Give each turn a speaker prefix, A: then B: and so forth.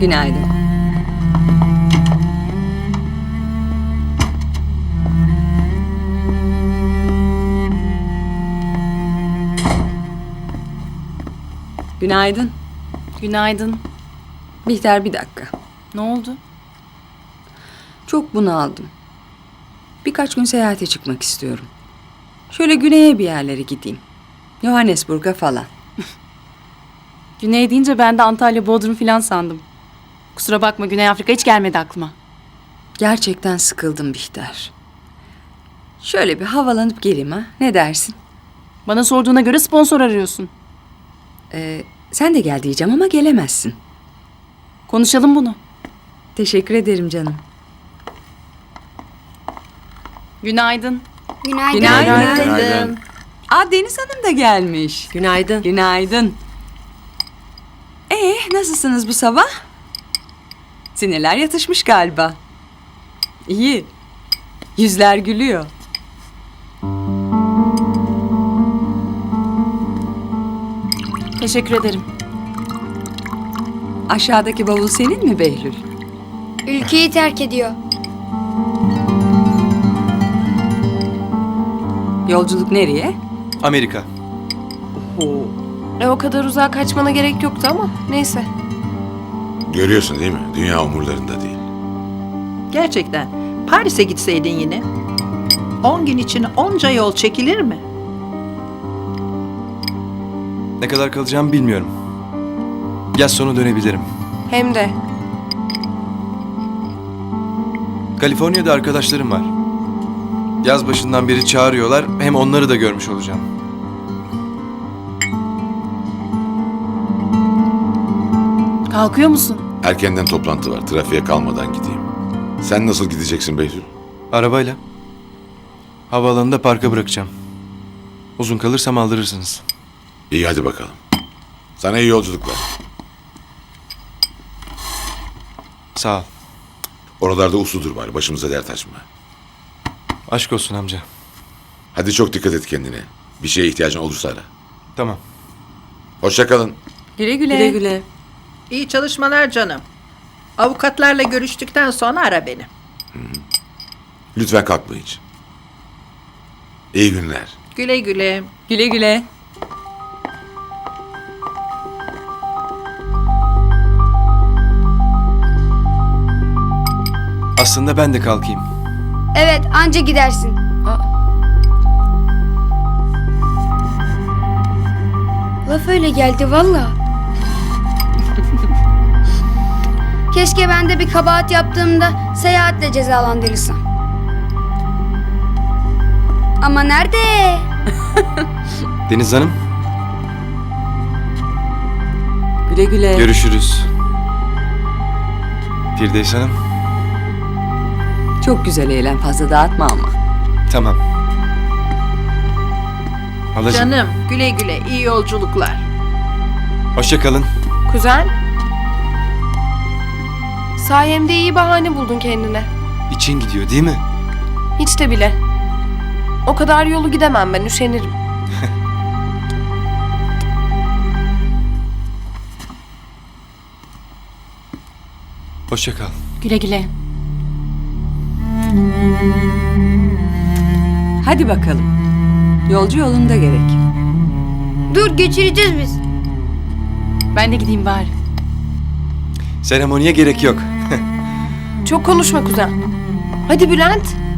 A: Günaydın. Günaydın.
B: Günaydın.
A: Bihter, bir dakika.
B: Ne oldu?
A: Çok bunaldım. Birkaç gün seyahate çıkmak istiyorum. Şöyle güneye bir yerlere gideyim. Johannesburg'a falan.
B: Güney deyince ben de Antalya, Bodrum falan sandım. Kusura bakma, Güney Afrika hiç gelmedi aklıma.
A: Gerçekten sıkıldım Bihter. Şöyle bir havalanıp geleyim ha. Ne dersin?
B: Bana sorduğuna göre sponsor arıyorsun.
A: Sen de gel diyeceğim ama gelemezsin.
B: Konuşalım bunu.
A: Teşekkür ederim canım.
B: Günaydın.
C: Günaydın.
A: Günaydın. Aa, Deniz Hanım da gelmiş.
D: Günaydın.
A: Günaydın. Nasılsınız bu sabah? Sinirler yatışmış galiba. İyi. Yüzler gülüyor.
B: Teşekkür ederim.
A: Aşağıdaki bavul senin mi Behlül?
C: Ülkeyi terk ediyor.
A: Yolculuk nereye?
E: Amerika.
B: O kadar uzağa kaçmana gerek yoktu ama neyse.
F: Görüyorsun değil mi? Dünya umurlarında değil.
D: Gerçekten. Paris'e gitseydin yine. 10 gün için onca yol çekilir mi?
E: Ne kadar kalacağımı bilmiyorum. Yaz sonu dönebilirim.
B: Hem de.
E: Kaliforniya'da arkadaşlarım var. Yaz başından beri çağırıyorlar. Hem onları da görmüş olacağım.
B: Kalkıyor musun?
F: Erkenden toplantı var. Trafiğe kalmadan gideyim. Sen nasıl gideceksin Behlül?
E: Arabayla. Havaalanında parka bırakacağım. Uzun kalırsam aldırırsınız.
F: İyi, hadi bakalım. Sana iyi yolculuklar.
E: Sağ ol.
F: Oralarda usludur bari. Başımıza dert açma.
E: Aşk olsun amca.
F: Hadi çok dikkat et kendine. Bir şeye ihtiyacın olursa ara.
E: Tamam.
F: Hoşça kalın.
A: Güle güle.
B: Güle güle.
D: İyi çalışmalar canım. Avukatlarla görüştükten sonra ara beni.
F: Lütfen kalkma hiç. İyi günler.
D: Güle güle.
A: Güle güle.
E: Aslında ben de kalkayım.
C: Evet, anca gidersin. Laf öyle geldi valla. Keşke ben de bir kabahat yaptığımda seyahatle cezalandırılsam. Ama nerede?
E: Deniz Hanım,
A: Güle güle.
E: görüşürüz. Firdevs Hanım,
A: Çok güzel eğlen, fazla dağıtma ama.
E: tamam. Halacığım,
D: Canım güle güle. İyi yolculuklar.
E: hoşça kalın.
G: Kuzen. Sayemde iyi bahane buldun kendine.
E: İçin gidiyor değil mi?
G: Hiç de bile. O kadar yolu gidemem ben, üşenirim.
E: Hoşça kal.
B: Güle güle.
A: Hadi bakalım. Yolcu yolunda gerek.
C: Dur, geçireceğiz biz.
B: Ben de gideyim bari.
E: Seremoniye gerek yok.
G: Çok konuşma kuzen. Hadi Bülent.